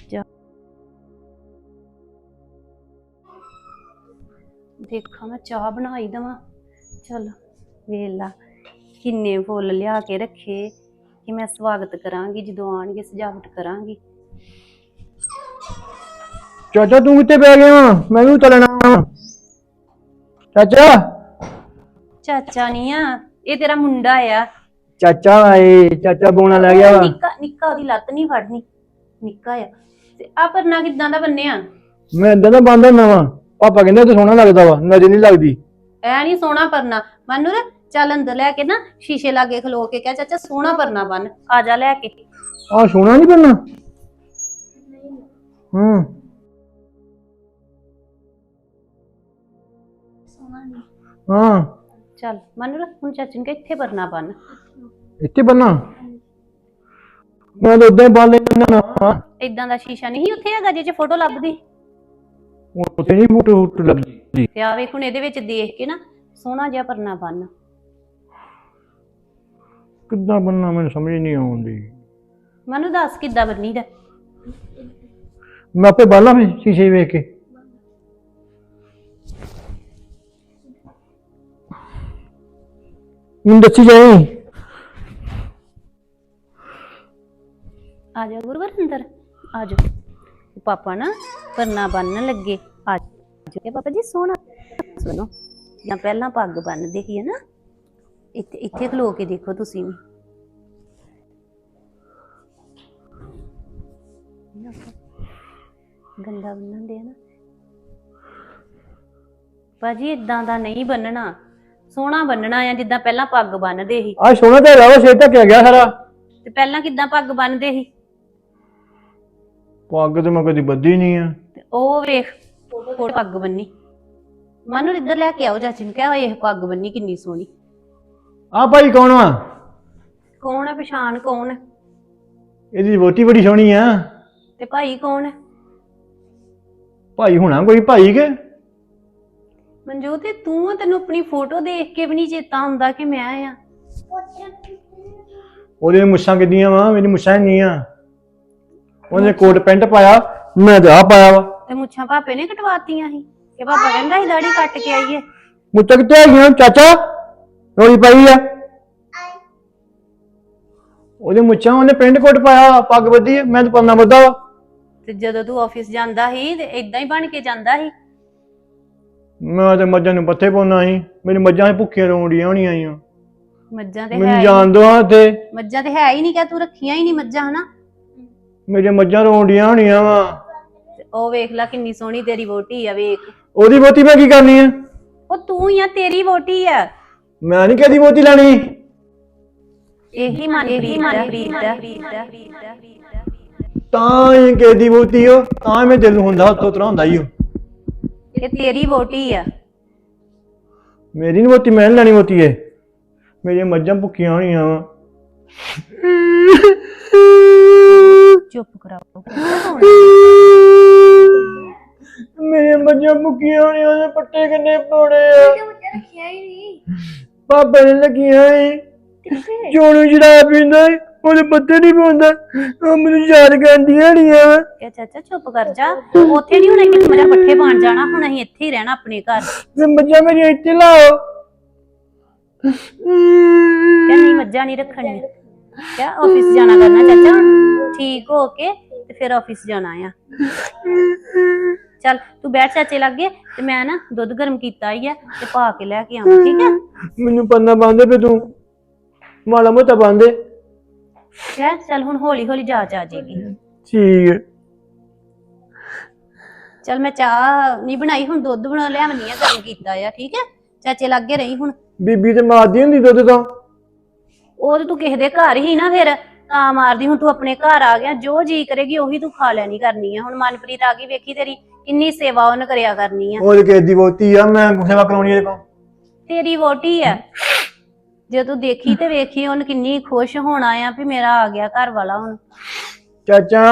[SPEAKER 2] ਦੇਖਾਂ ਮੈਂ ਚਾਹ ਬਣਾਈ ਦਵਾਂ। ਚੱਲ ਵੇਲਾ ਕਿੰਨੇ ਫੁੱਲ ਲਿਆ ਕੇ ਰੱਖੇ ਕਿ ਮੈਂ ਸਵਾਗਤ ਕਰਾਂਗੀ, ਜਦੋਂ ਆਣਗੇ ਸਜਾਵਟ ਕਰਾਂਗੀ।
[SPEAKER 1] ਚਾਚਾ ਤੂੰ ਕਿੱਥੇ ਪੈ ਗਿਆ ਵਾ? ਮੈਂ ਵੀ ਚੱਲਣਾ। ਚਾਚਾ
[SPEAKER 2] ਚਾਚਾ ਨਹੀਂ ਆ, ਇਹ ਤੇਰਾ ਮੁੰਡਾ ਆ।
[SPEAKER 1] ਚਾਚਾ ਆਏ, ਚਾਚਾ ਬੋਣਾ ਲੈ ਗਿਆ ਵਾ।
[SPEAKER 2] ਨਿੱਕਾ ਨਿੱਕਾ, ਉਹਦੀ ਲੱਤ ਨਹੀਂ ਫੜਨੀ, ਨਿੱਕਾ ਆ। ਤੇ ਆ ਪਰਨਾ ਕਿੱਦਾਂ ਦਾ ਬੰਨਿਆ?
[SPEAKER 1] ਮੈਂ ਏਦਾਂ ਦਾ ਬੰਦਾ ਹੁੰਦਾ ਵਾ। ਪਾਪਾ ਕਹਿੰਦੇ ਤੇ ਸੋਹਣਾ ਲੱਗਦਾ ਵਾ, ਨਜ਼ਰ ਨਹੀਂ ਲੱਗਦੀ।
[SPEAKER 2] ਐ ਨਹੀਂ ਸੋਹਣਾ ਪਰਨਾ। ਮਾਨੂਰ ਚੱਲ ਅੰਦਰ ਲੈ ਕੇ ਨਾ ਸ਼ੀਸ਼ੇ ਲਾਗੇ ਖਲੋ ਕੇ ਕਹਿ ਚਾਚਾ ਸੋਹਣਾ ਪਰਨਾ ਬੰਨ, ਆ ਜਾ ਲੈ ਕੇ।
[SPEAKER 1] ਆਹ ਸੋਹਣਾ ਨਹੀਂ ਬੰਨਾ। ਹਾਂ
[SPEAKER 2] ਚੱਲ ਮਾਨੂਰ ਹੁਣ ਚਾਚੀ ਨੂੰ ਕਹਿ ਇੱਥੇ ਪਰਨਾ ਬੰਨ।
[SPEAKER 1] ਇੱਥੇ ਬੰਨਾ? ਮੈਂ ਤਾਂ ਉਦਾਂ ਹੀ ਬੰਨ ਲੈਣਾ।
[SPEAKER 2] ਏਦਾਂ ਦਾ ਸ਼ੀਸ਼ਾ ਨਹੀਂ ਉੱਥੇ ਹੈਗਾ ਜਿਹਦੇ 'ਚ ਫੋਟੋ ਲੱਭਦੀ?
[SPEAKER 1] ਉੱਥੇ ਨਹੀਂ ਫੋਟੋ ਲੱਗਦੀ।
[SPEAKER 2] ਤੇ ਆ ਵੇਖ ਹੁਣ ਇਹਦੇ ਵਿੱਚ ਦੇਖ ਕੇ ਨਾ ਸੋਹਣਾ ਜਿਹਾ ਪਰਨਾ ਬੰਨ।
[SPEAKER 1] ਕਿੱਦਾਂ ਬੰਨਾ ਮੈਨੂੰ ਸਮਝ ਨਹੀਂ ਆਉਂਦੀ।
[SPEAKER 2] ਮੈਨੂੰ ਦੱਸ ਕਿੱਦਾਂ ਬੰਨੀ ਦਾ?
[SPEAKER 1] ਮੈਂ ਆਪੇ ਬਾਲਾ ਫਿਰ ਸ਼ੀਸ਼ੇ ਵੇਖ ਕੇ। ਮੈਨੂੰ ਦੱਸੀ ਜਾਈ।
[SPEAKER 2] ਆ ਜਾ ਗੁਰਵਰ ਅੰਦਰ ਆ ਜਾ। ਪਾਪਾ ਨਾ ਪਰਨਾ ਬੰਨਣ ਲੱਗੇ। ਆ ਜਾ ਪਾਪਾ ਜੀ ਸੋਹਣਾ। ਸੁਣੋ ਜਾਂ ਪਹਿਲਾਂ ਪੱਗ ਬੰਨਦੇ ਸੀ ਨਾ, ਇੱਥੇ ਇੱਥੇ ਖਲੋ ਕੇ ਦੇਖੋ ਤੁਸੀਂ ਵੀ। ਗੰਦਾ ਬੰਨਣ ਦੇ ਨਾ ਭਾਜੀ, ਇਦਾਂ ਦਾ ਨਹੀਂ ਬੰਨਣਾ। ਸੋਹਣਾ ਬੰਨਣਾ ਆ ਜਿੱਦਾਂ ਪਹਿਲਾਂ ਪੱਗ ਬੰਨਦੇ ਸੀ।
[SPEAKER 1] ਆ ਸੋਹਣਾ ਤੇ ਰਾਵਾ ਸਿਰ ਢੱਕਿਆ ਗਿਆ ਸਾਰਾ।
[SPEAKER 2] ਤੇ ਪਹਿਲਾਂ ਕਿੱਦਾਂ ਪੱਗ ਬੰਨਦੇ ਸੀ?
[SPEAKER 1] ਪੱਗ ਤੇ ਮੈਂ ਕਦੀ ਬੱਧੀ ਨਹੀਂ ਆ।
[SPEAKER 2] ਤੇ ਉਹ ਵੇਖ ਪੱਗ ਬੰਨੀ। ਮਾਨੂੰ ਇੱਧਰ ਲੈ ਕੇ ਆਓ ਚਾਚੀ ਨੂੰ, ਕਿਹਾ ਇਹ ਪੱਗ ਬੰਨੀ ਕਿੰਨੀ ਸੋਹਣੀ।
[SPEAKER 1] ਆ ਭਾਈ ਕੌਣ ਵਾ?
[SPEAKER 2] ਕੌਣ ਹੈ? ਪਛਾਣ ਕੌਣ ਹੈ?
[SPEAKER 1] ਇਹਦੀ ਵੋਟੀ ਬੜੀ ਸੋਹਣੀ ਆ।
[SPEAKER 2] ਤੇ ਭਾਈ ਕੌਣ ਹੈ?
[SPEAKER 1] ਭਾਈ ਹੋਣਾ ਕੋਈ ਭਾਈ ਕੇ?
[SPEAKER 2] ਮਨਜੋਤ ਤੂੰ, ਤੈਨੂੰ ਆਪਣੀ ਫੋਟੋ ਦੇਖ ਕੇ ਵੀ ਨਹੀਂ ਚੇਤਾ ਹੁੰਦਾ ਕਿ ਮੈਂ ਆ।
[SPEAKER 1] ਉਹਦੀਆਂ ਮੁੱਛਾਂ ਕਿੱਦੀਆਂ ਵਾ? ਮੇਰੀ ਮੁੱਛਾਂ ਨਹੀਂ ਆ। ਉਹਨੇ ਕੋਟ ਪੈਂਟ ਪਾਇਆ, ਮੈਂ ਤਾਂ ਆ ਪਾਇਆ ਵਾ।
[SPEAKER 2] ਤੇ ਮੁੱਛਾਂ ਪਾਪੇ ਨੇ ਕਟਵਾਤੀਆਂ ਸੀ ਕਿ ਪਾਪਾ ਕਹਿੰਦਾ ਸੀ ਦਾੜੀ ਕੱਟ ਕੇ ਆਈਏ।
[SPEAKER 1] ਮੁੱਛਾਂ ਕਿੱਥੇ ਹੈਗੀਆਂ ਚਾਚਾ? ਰੋਲੀ ਪਾਈ ਆ ਉਹਦੇ ਮੁੱਛਾਂ, ਉਹਨੇ ਪਿੰਡ ਕੋਟ ਪਾਇਆ, ਪੱਗ ਬੱਧੀ ਆ, ਮੈਂ ਤਾਂ ਪਰਨਾ ਬੱਧਾ ਵਾ।
[SPEAKER 2] ਤੇ ਜਦੋਂ ਤੂੰ ਆਫਿਸ ਜਾਂਦਾ ਸੀ ਤੇ ਇਦਾਂ ਹੀ ਬਣ ਕੇ ਜਾਂਦਾ ਸੀ।
[SPEAKER 1] ਮੈਂ ਤੇ ਮੱਝਾਂ ਨੂੰ ਪੱਠੇ ਪਾਉਣਾ ਸੀ, ਮੇਰੀ ਮੱਝਾਂ ਭੁੱਖੀਆਂ ਰੋਂਡੀਆਂ ਹੋਣੀਆਂ ਆਈਆਂ।
[SPEAKER 2] ਮੱਝਾਂ ਤੇ ਹੈ
[SPEAKER 1] ਮੈਨੂੰ
[SPEAKER 2] ਹੀ
[SPEAKER 1] ਜਾਣ ਦੋ ਹਾਂ ਤੇ
[SPEAKER 2] ਮੱਝਾਂ ਤੇ ਹੈ ਹੀ ਨਹੀਂ ਕਿ ਤੂੰ ਰੱਖੀਆਂ ਹੀ ਨਹੀਂ ਮੱਝਾਂ ਹਨਾ।
[SPEAKER 1] ਮੇਰੀਆਂ ਮੱਝਾਂ ਰੋਂਡੀਆਂ ਹੋਣੀਆਂ ਵਾ।
[SPEAKER 2] ਤੇ ਉਹ ਵੇਖ ਲੈ ਕਿੰਨੀ ਸੋਹਣੀ ਤੇਰੀ ਵੋਟੀ ਆ ਵੇਖ।
[SPEAKER 1] ਉਹਦੀ ਬਹੁਤੀ ਮੈਂ ਕੀ ਕਰਨੀ ਆ?
[SPEAKER 2] ਉਹ ਤੂੰ ਹੀ ਆ, ਤੇਰੀ ਵੋਟੀ ਆ।
[SPEAKER 1] ਮੈਂ ਨਹੀਂ ਕਦੀ ਬਹੁਤੀ ਲੈਣੀ।
[SPEAKER 2] ਇਹੀ ਮਨਪ੍ਰੀਤ ਦਾ
[SPEAKER 1] ਤਾਂ ਹੀ ਕਿਸੇ ਦੀ ਬਹੁਤੀ ਹੋ, ਤਾਂ ਮੈਂ ਦਿਲ ਨੂੰ ਹੁੰਦਾ ਹੱਥੋਂ ਤਰਾ ਹੁੰਦਾ ਹੀ ਉਹ।
[SPEAKER 2] ਇਹ ਤੇਰੀ ਵੋਟੀ ਆ।
[SPEAKER 1] ਮੇਰੀ ਨਹੀਂ ਬਹੁਤੀ, ਮੈਂ ਨੀ ਲੈਣੀ ਬਹੁਤੀ ਏ। ਮੇਰੀਆਂ ਮੱਝਾਂ ਭੁੱਖੀਆਂ ਹੋਣੀਆਂ ਵਾ।
[SPEAKER 2] ਚੁੱਪ ਕਰਾਓ।
[SPEAKER 1] ਮੇਰੀਆਂ ਮੱਝਾਂ ਭੁੱਖੀਆਂ ਹੋਣੀਆਂ, ਉਹਦੇ ਪੱਟੇ ਕਿੰਨੇ ਪਾਉਣੇ ਆ?
[SPEAKER 3] ਮੁੱਛਾਂ ਰੱਖਿਆ ਹੀ ਨਹੀਂ।
[SPEAKER 1] ਪਾਪੇ ਨੇ ਲੱਗੀਆਂ ਏ। ਚੋਣੂ ਸ਼ਰਾਬ ਪੀਂਦਾ ਏ, ਉਹਦੇ ਪੱਤੇ ਨਹੀਂ ਪਾਉਂਦਾ। ਉਹ ਮੈਨੂੰ ਯਾਦ ਕਰਦੀਆਂ ਹੋਣੀਆਂ ਵਾ।
[SPEAKER 2] ਇਹ ਚਾਚਾ ਚੁੱਪ ਕਰ ਜਾ। ਉੱਥੇ ਨਹੀਂ ਹੁਣ ਕਿ ਮੇਰੇ ਪੱਠੇ ਪਾਣ ਜਾਣਾ, ਹੁਣ ਅਸੀਂ ਇੱਥੇ ਹੀ ਰਹਿਣਾ ਆਪਣੇ ਘਰ।
[SPEAKER 1] ਤੇ ਮੱਝਾਂ ਮੇਰੀਆਂ ਇੱਥੇ ਲਾਓ।
[SPEAKER 2] ਕਿ ਨਹੀਂ ਮੱਝਾਂ ਨਹੀਂ ਰੱਖਣੀਆਂ। ਕਿਆ ਆਫਿਸ ਜਾਣਾ ਕਰਨਾ ਚਾਚਾ, ਠੀਕ ਹੋ ਕੇ ਤੇ ਫਿਰ ਆਫਿਸ ਜਾਣਾ ਆ। ਚੱਲ ਤੂੰ ਬੈਠ ਚਾਚੇ ਲੱਗੇ, ਤੇ ਮੈਂ ਨਾ ਦੁੱਧ ਗਰਮ ਕੀਤਾ ਹੀ ਆ ਤੇ ਪਾ ਕੇ ਲੈ ਕੇ ਆਵਾਂ, ਠੀਕ ਹੈ?
[SPEAKER 1] ਮੈਨੂੰ ਪੰਨਾ ਬੰਦੇ ਪੇ ਤੂੰ ਮਾੜਾ ਮੋਟਾ ਬੰਦੇ।
[SPEAKER 2] ਚੱਲ ਹੁਣ ਹੌਲੀ ਹੌਲੀ ਜਾਚ ਆ ਜਾਏਗੀ।
[SPEAKER 1] ਠੀਕ ਹੈ।
[SPEAKER 2] ਚੱਲ ਮੈਂ ਚਾਹ ਨਹੀਂ ਬਣਾਈ, ਹੁਣ ਦੁੱਧ ਬਣਾ ਲਿਆਵਣੀ ਆ, ਗਰਮ ਕੀਤਾ ਆ, ਠੀਕ ਹੈ? ਚਾਚੇ ਲੱਗੇ ਰਹੀ ਹੁਣ।
[SPEAKER 1] ਬੀਬੀ ਤੇ ਮਾਰਦੀ ਹੁੰਦੀ ਦੁੱਧ ਤਾਂ।
[SPEAKER 2] ਉਹ ਤੇ ਤੂੰ ਕਿਸੇ ਦੇ ਘਰ ਹੀ ਨਾ ਫਿਰ ਤਾਂ ਮਾਰਦੀ। ਹੁਣ ਤੂੰ ਆਪਣੇ ਘਰ ਆ ਗਿਆ, ਜੋ ਜੀ ਕਰੇਗੀ ਉਹੀ ਤੂੰ ਖਾ ਲੈਣੀ ਕਰਨੀ ਆ। ਹੁਣ ਮਨਪ੍ਰੀਤ ਆ ਗਈ, ਵੇਖੀ ਤੇਰੀ ਕਿੰਨੀ ਸੇਵਾ ਉਹਨੇ ਕਰਿਆ ਕਰਨੀ ਆ।
[SPEAKER 1] ਉਹ ਕਿਸੇ ਦੀ ਬਹੁਤੀ ਆ, ਮੈਂ ਸੇਵਾ ਕਰਾਉਣੀ ਇਹਦੇ ਕੋਲ।
[SPEAKER 2] ਤੇਰੀ ਵੋਟੀ ਆ। ਜੇ ਤੂੰ ਦੇਖੀ ਤੇ ਵੇਖੀ ਉਹਨੇ ਕਿੰਨੀ ਖੁਸ਼ ਹੋਣਾ ਆ ਵੀ ਮੇਰਾ ਆ ਗਿਆ ਘਰ ਵਾਲਾ ਹੁਣ।
[SPEAKER 1] ਚਾਚਾ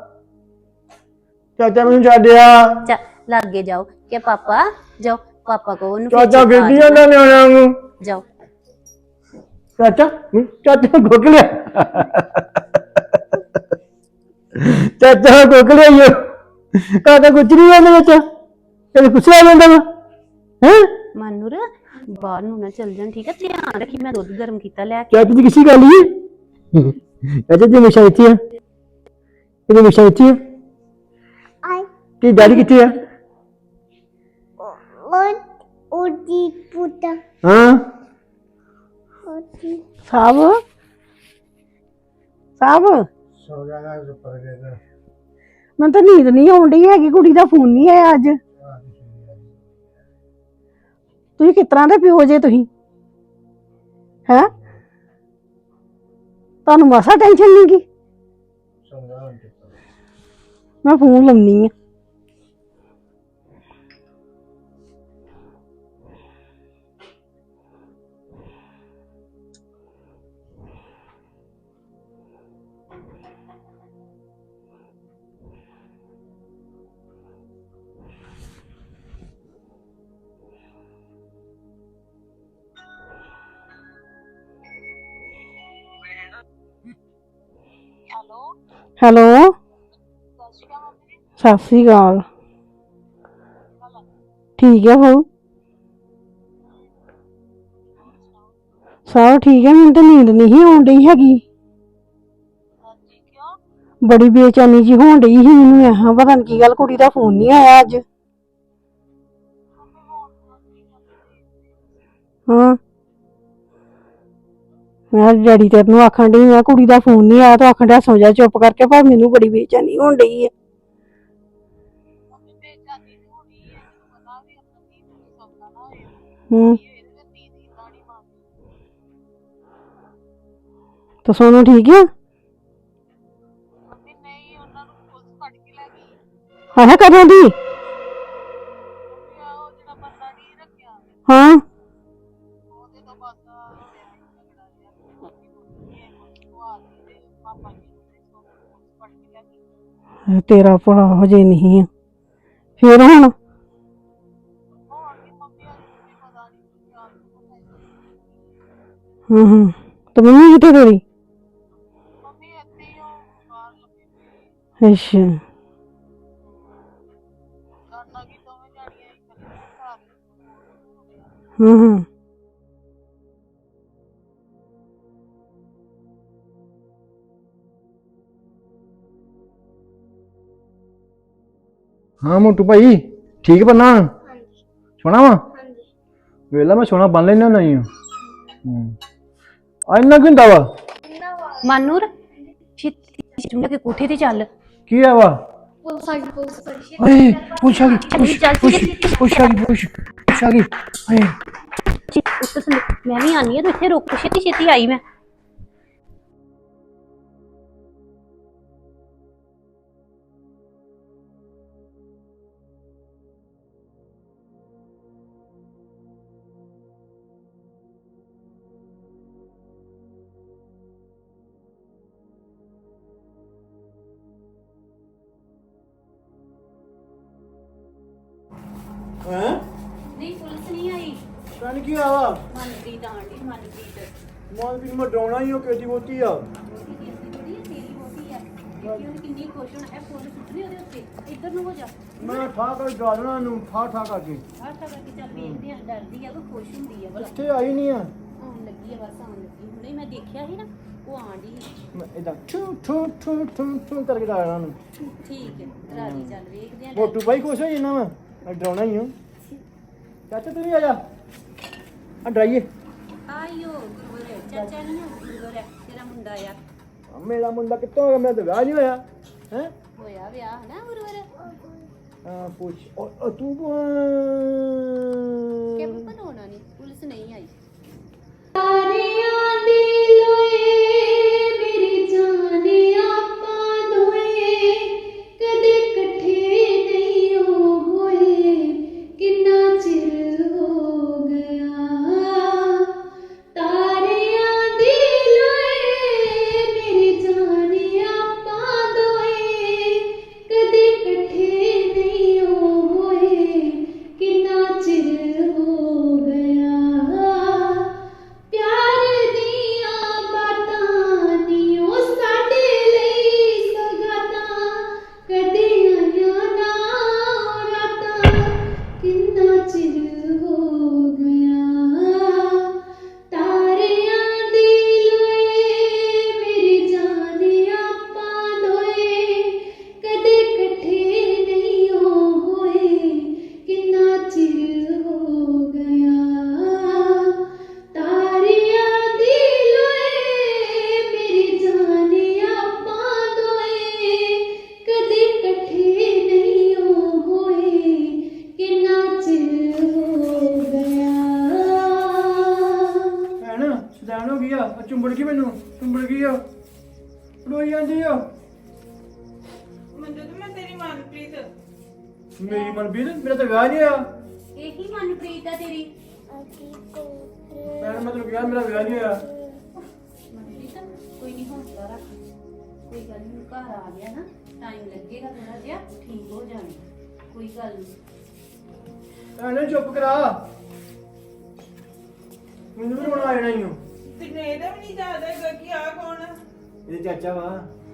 [SPEAKER 1] ਚਾਚਾ ਮੈਨੂੰ ਛੱਡਿਆ।
[SPEAKER 2] ਲਾਗੇ ਜਾਓ ਕਿ ਪਾਪਾ ਜਾਓ, ਪਾਪਾ ਕੋ ਉਹਨੂੰ
[SPEAKER 1] ਚਾਚਾ ਗਿਰਦੀ ਜਾਂਦਾ ਨਿਆਣਿਆਂ ਨੂੰ।
[SPEAKER 2] ਜਾਓ
[SPEAKER 1] ਚਾਚਾ ਚਾਚਾ ਗੋਕ ਲਿਆ। ਚਾਚਾ ਗੋਕ ਲਿਆ। ਕਾਹਦਾ ਕੁਝ ਨਹੀਂ ਜਾਂਦਾ ਚਾਚਾ, ਤੇਰੇ ਕੁਛ ਆ ਜਾਂਦਾ ਵਾ ਹੈ।
[SPEAKER 2] ਮਾਨੂਰ ਬਾਹਰ ਨੂੰ ਨਾ ਚੱਲ ਜਾਣ, ਠੀਕ ਹੈ? ਧਿਆਨ ਰੱਖੀ, ਮੈਂ ਦੁੱਧ ਗਰਮ ਕੀਤਾ ਲੈ ਕੇ।
[SPEAKER 1] ਚਾਚੀ ਦੀ ਕਿਸੇ ਗੱਲ ਹੀ ਚਾਚਾ ਜੀ ਹਮੇਸ਼ਾ ਇੱਥੇ ਆ, ਇਹ ਹਮੇਸ਼ਾ ਇੱਥੇ ਆ। ਤੇ ਡੈਡੀ ਕਿੱਥੇ ਆ?
[SPEAKER 3] ਉਹਦੀ ਪੁੱਤਾ
[SPEAKER 1] ਹਾਂ
[SPEAKER 4] ਸਾਬ ਮੈਨੂੰ ਤਾਂ ਨੀਂਦ ਨਹੀਂ ਆਉਣ ਡਈ ਹੈਗੀ, ਕੁੜੀ ਦਾ ਫੋਨ ਨਹੀਂ ਆਇਆ ਅੱਜ। ਤੁਸੀਂ ਕਿਸ ਤਰ੍ਹਾਂ ਦੇ ਪਿਓ ਜੇ ਤੁਸੀਂ ਹੈ? ਤੁਹਾਨੂੰ ਮਾਸਾ ਟੈਨਸ਼ਨ ਨਹੀਂ ਗੀ? ਮੈਂ ਫੋਨ ਲਾਉਣੀ ਆ। ਹੈਲੋ ਸਤਿ ਸ੍ਰੀ ਅਕਾਲ। ਠੀਕ ਹੈ ਬਾਊ, ਸਭ ਠੀਕ ਹੈ। ਮੈਨੂੰ ਤਾਂ ਨੀਂਦ ਨਹੀਂ ਆਉਣ ਡਈ ਹੈਗੀ, ਬੜੀ ਬੇਚੈਨੀ ਜੀ ਹੋਣ ਡਈ ਸੀ ਮੈਨੂੰ। ਮੈਂ ਪਤਾ ਨੀ ਕੀ ਗੱਲ, ਕੁੜੀ ਦਾ ਫੋਨ ਨਹੀਂ ਆਇਆ ਅੱਜ। ਹਾਂ ਮੈਂ ਡੈਡੀ ਤੇਰੇ ਨੂੰ ਆਖਣ ਡਈ, ਮੈਂ ਕੁੜੀ ਦਾ ਫੋਨ ਨਹੀਂ ਆਇਆ ਤਾਂ ਆਖਣ ਡਿਆ ਸੌ ਜਾ ਚੁੱਪ ਕਰਕੇ, ਪਰ ਮੈਨੂੰ ਬੜੀ ਬੇਚੈਨੀ ਹੋਣ ਡਈ ਹੈ। ਤਾਂ ਸੋਨੂੰ ਠੀਕ ਆ? ਹਾਂ ਕਦੋਂ ਦੀ? ਹਾਂ ਤੇਰਾ ਭਲਾ ਹਜੇ ਨਹੀਂ ਆ ਫਿਰ ਹੁਣ? ਤੇ ਮੰਮੀ ਕਿੱਥੇ ਤੇਰੀ? ਅੱਛਾ ਹੂੰ
[SPEAKER 1] ਹਾਂ ਮੋਟੂ ਭਾਈ ਠੀਕ ਬੰਨਾ
[SPEAKER 3] ਹਾਂਜੀ
[SPEAKER 1] ਸੋਣਾ ਵਾ
[SPEAKER 3] ਹਾਂਜੀ
[SPEAKER 1] ਵੇਲਾ ਮੈਂ ਸੋਣਾ ਬੰਨ ਲੈਣਾ ਨਹੀਂ ਆ ਇੰਨਾ ਕੀ ਹੁੰਦਾ ਵਾ
[SPEAKER 3] ਇੰਨਾ ਵਾ
[SPEAKER 2] ਮਾਨੂਰ ਛਿੱਟ ਕੇ ਕੋਠੇ ਤੇ ਚੱਲ
[SPEAKER 1] ਕੀ ਆ ਵਾ
[SPEAKER 3] ਪੁਲਿਸ ਆ ਗਈ ਪੁਲਿਸ
[SPEAKER 1] ਓਏ ਪੁੱਛ ਆ ਗਈ ਪੁੱਛ ਆ ਗਈ ਓਏ
[SPEAKER 2] ਮੈਂ ਵੀ ਆਨੀ ਆ ਤੂੰ ਇੱਥੇ ਰੁਕ ਛੇਤੀ ਛੇਤੀ ਆਈ ਮੈਂ
[SPEAKER 1] ਹੈਂ
[SPEAKER 2] ਨਹੀਂ ਪੁਲਿਸ ਨਹੀਂ ਆਈ
[SPEAKER 1] ਕੰਨ ਕੀ ਆ ਵਾ
[SPEAKER 2] ਮਨਪ੍ਰੀਤ ਆਂਟੀ ਮਨਪ੍ਰੀਤ
[SPEAKER 1] ਮੋਲ ਵੀ ਮੈਂ ਡਰਾਉਣਾ ਹੀ ਉਹ ਕਿਹਦੀ ਬੋਤੀ ਆ
[SPEAKER 2] ਕਿੰਨੀ ਖੁਸ਼ ਹੋਣਾ ਇਹ ਫੁੱਲ ਸੁੱਟਨੇ ਉਹਦੇ ਉੱਤੇ ਇੱਧਰ ਨੂੰ ਹੋ ਜਾ
[SPEAKER 1] ਮੈਂ ਠਾ ਕੇ ਡਾਲਣਾ ਨੂੰ ਠਾ ਕਰਕੇ
[SPEAKER 2] ਆਹ ਤਾਂ ਕਰਕੇ ਚੱਲ ਵੇਖਦੇ ਆ ਡਰਦੀ ਆ ਉਹ ਖੁਸ਼ ਹੁੰਦੀ ਆ ਬਲਾ
[SPEAKER 1] ਇੱਥੇ ਆਈ ਨਹੀਂ ਆ
[SPEAKER 2] ਆਉਣ ਲੱਗੀ ਆ ਬਸ ਆਉਣ ਲੱਗੀ ਹੁਣੇ ਮੈਂ ਦੇਖਿਆ ਸੀ ਨਾ ਉਹ ਆਂਡੀ
[SPEAKER 1] ਮੈਂ ਇਦਾਂ ਠੂ ਕਰਕੇ ਡਾਲਣਾ ਨੂੰ
[SPEAKER 2] ਠੀਕ ਹੈ ਰਾਜੀ ਚੱਲ ਵੇਖਦੇ ਆ
[SPEAKER 1] ਮੋਟੂ ਭਾਈ ਖੁਸ਼ ਹੋ ਜਾਣਾ ਮੈਂ ਡਰਾਉਣਾ ਹੀ ਹਾਂ ਚਾਚਾ ਤੂੰ ਵੀ ਆ ਜਾ ਆ ਡਰਾਈਏ
[SPEAKER 2] ਆਇਓ ਗੁਰਵਰ ਚਾਚਾ ਨਹੀਂ ਆ ਗੁਰਵਰ ਤੇਰਾ ਮੁੰਡਾ ਆ
[SPEAKER 1] ਮੇਰਾ ਮੁੰਡਾ ਕਿੱਥੋਂ ਹੋ ਗਿਆ ਮੇਰਾ ਤਾਂ ਵਿਆਹ ਨਹੀਂ ਹੋਇਆ ਹੈ
[SPEAKER 2] ਹੋਇਆ ਵਿਆਹ ਹਨਾ ਗੁਰਵਰ
[SPEAKER 1] ਹਾਂ ਪੁੱਛ ਉਹ ਤੂੰ
[SPEAKER 2] ਕਿ ਬਣਾਉਣਾ ਨਹੀਂ ਪੁਲਿਸ ਨਹੀਂ ਆਈ
[SPEAKER 3] ਤਾਰਿਆਂ ਦੀ ਲੋਏ ਮੇਰੀ ਜਾਨ ਆਪਾਂ ਦੋਏ ਕਦੇ ਇਕੱਠੇ ਨਹੀਂ ਹੋਏ ਕਿੰਨਾ ਚਿਰ ਹੋ ਗਿਆ ਤਾਰਿਆਂ ਦੀ ਲੋਏ ਮੇਰੀ ਜਾਨ ਆਪਾਂ ਦੋਏ ਕਦੇ ਇਕੱਠੇ ਨਹੀਂ ਹੋਏ ਕਿੰਨਾ ਚਿਰ ਹੋ ਗਿਆ ਪਿਆਰ ਦੀਆਂ ਬਾਤਾਂ ਨੀ ਉਹ ਸਾਡੇ ਲਈ ਸੌਗਾਤਾਂ ਕਦੇ ਆਈਆਂ ਨਾ ਰਾਤਾਂ ਕਿੰਨਾ ਚਿਰ ਹੋ ਗਿਆ ਤਾਰਿਆਂ ਦੀ ਲੋਏ ਮੇਰੀ ਜਾਨ ਆਪਾਂ ਦੋਏ ਕਦੇ ਇਕੱਠੇ ਨਹੀਂ ਹੋਏ ਕਿੰਨਾ ਚਿਰ ਹੋ ਗਿਆ ਤਾਰਿਆਂ ਦੀ ਲੋਏ ਮੇਰੀ ਜਾਨ ਆਪਾਂ ਦੋਏ ਕਦੇ ਇਕੱਠੇ ਨਹੀਂ ਹੋਏ ਕਿੰਨਾ ਚਿਰ ਹੋ ਗਿਆ
[SPEAKER 1] ਭੈਣ ਸਦਾਨ ਹੋ ਗਿਆ ਆ ਚੁੰਬੜ ਗਈ ਮੈਨੂੰ ਚੁੰਬੜ ਗਈ ਆ ਰੋਈ ਜਾਂਦੀ ਆ
[SPEAKER 5] ਮੰਜੂ ਤੇ ਮੈਂ ਤੇਰੀ ਮਨਪ੍ਰੀਤ
[SPEAKER 1] ਮੇਰੀ ਮਨਪ੍ਰੀਤ ਮੇਰਾ ਤਾਂ ਵਿਆਹ ਨਹੀਂ ਹੋਇਆ
[SPEAKER 2] ਇਹੀ ਮਨਪ੍ਰੀਤ ਆ ਤੇਰੀ
[SPEAKER 1] ਭੈਣ ਮੈਂ ਤੈਨੂੰ ਕਿਹਾ ਮੇਰਾ ਵਿਆਹ ਨਹੀਂ ਹੋਇਆ
[SPEAKER 2] ਮਨਪ੍ਰੀਤ ਕੋਈ ਨਹੀਂ ਹੌਸਲਾ ਰੱਖ ਕੋਈ ਗੱਲ ਨਹੀਂ ਘਰ ਆ ਗਿਆ ਨਾ ਟਾਈਮ ਲੱਗੇਗਾ ਥੋੜਾ ਜਿਹਾ ਠੀਕ ਹੋ ਜਾਣਾ ਕੋਈ ਗੱਲ ਨਹੀਂ
[SPEAKER 1] ਭੈਣ ਚੁੱਪ ਕਰਾ ਮੈਨੂੰ ਵੀ ਰੋਣਾ ਆ ਜਾਣਾ ਹੀ
[SPEAKER 5] ਤੇ ਇਹਦਾ ਵੀ ਨਹੀਂ ਯਾਦ ਹੈਗਾ ਕਿ ਆ ਕੌਣ ਆ?
[SPEAKER 1] ਇਹ ਚਾਚਾ ਵਾ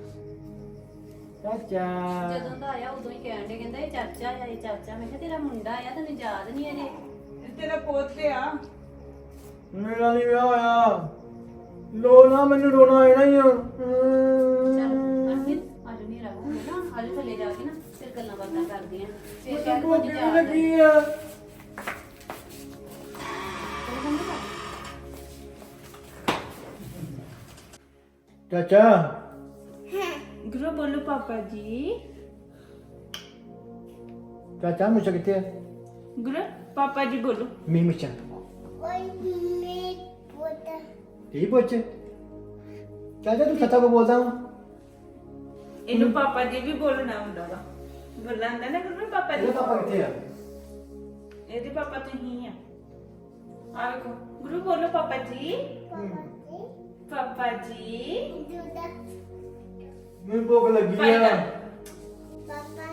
[SPEAKER 1] ਚਾਚਾ
[SPEAKER 2] ਜਦੋਂ ਦਾ ਆਇਆ ਉਦੋਂ ਹੀ ਕਹਿਣ ਦੇ ਕਹਿੰਦਾ ਇਹ ਚਾਚਾ ਆ ਇਹ ਚਾਚਾ ਮੈਂ ਕਿਹਾ ਤੇਰਾ ਮੁੰਡਾ ਆ ਤੈਨੂੰ ਯਾਦ ਨਹੀਂ ਅਜੇ
[SPEAKER 5] ਇਹ ਤੇਰਾ ਪੁੱਤ ਆ
[SPEAKER 1] ਮੇਰਾ ਨਹੀਂ ਵਿਆਹ ਹੋਇਆ ਲੋ ਨਾ ਮੈਨੂੰ ਰੋਣਾ ਆ ਜਾਣਾ ਹੀ ਆ
[SPEAKER 2] ਚੱਲ ਅਰਪਿਤ ਅੱਜ ਨਹੀਂ ਰਹੂਗਾ ਨਾ ਅੱਜ ਥੱਲੇ ਜਾ ਕੇ ਨਾ ਫਿਰ ਗੱਲਾਂ ਬਾਤਾਂ ਕਰਦੇ ਆਂ ਫਿਰ ਕਹਿ
[SPEAKER 1] ਮੈਨੂੰ
[SPEAKER 2] ਕੁਝ
[SPEAKER 1] ਭੁੱਖ
[SPEAKER 2] ਯਾਦ
[SPEAKER 1] ਲੱਗੀ ਆ ਚਾਚਾ
[SPEAKER 5] ਗੁਰੂ ਬੋਲੋ ਪਾਪਾ ਜੀ
[SPEAKER 1] ਚਾਚਾ ਮੁੱਛ ਕਿੱਥੇ ਆ
[SPEAKER 5] ਗੁਰੂ ਪਾਪਾ ਜੀ ਬੋਲੋ
[SPEAKER 1] ਮੀ ਮੁੱਛ
[SPEAKER 3] ਓਏ ਮੇ ਪੁੱਤ
[SPEAKER 1] ਠੀਕ ਪੁੱਛ ਚਾਚਾ ਤੂੰ ਸੱਚਾ ਕੋ ਬੋਲਦਾ ਹੂੰ
[SPEAKER 5] ਇਹਨੂੰ ਪਾਪਾ ਜੀ ਵੀ ਬੋਲਣਾ ਹੁੰਦਾ ਵਾ ਬੋਲਣਾ ਨਾ ਗੁਰੂ ਪਾਪਾ ਜੀ
[SPEAKER 1] ਇਹਦਾ ਪਾਪਾ ਕਿੱਥੇ ਆ
[SPEAKER 5] ਇਹਦੇ ਪਾਪਾ ਤੁਸੀਂ ਆ ਆ ਵੇਖੋ ਗੁਰੂ ਬੋਲੋ ਪਾਪਾ ਜੀ ਪਾਪਾ ਜੀ
[SPEAKER 3] ਦੁਦਾ
[SPEAKER 1] ਮੈਨੂੰ ਭੁੱਖ ਲੱਗੀ
[SPEAKER 5] ਭਾਈ
[SPEAKER 1] ਆ
[SPEAKER 5] ਦਾ
[SPEAKER 3] ਪਾਪਾ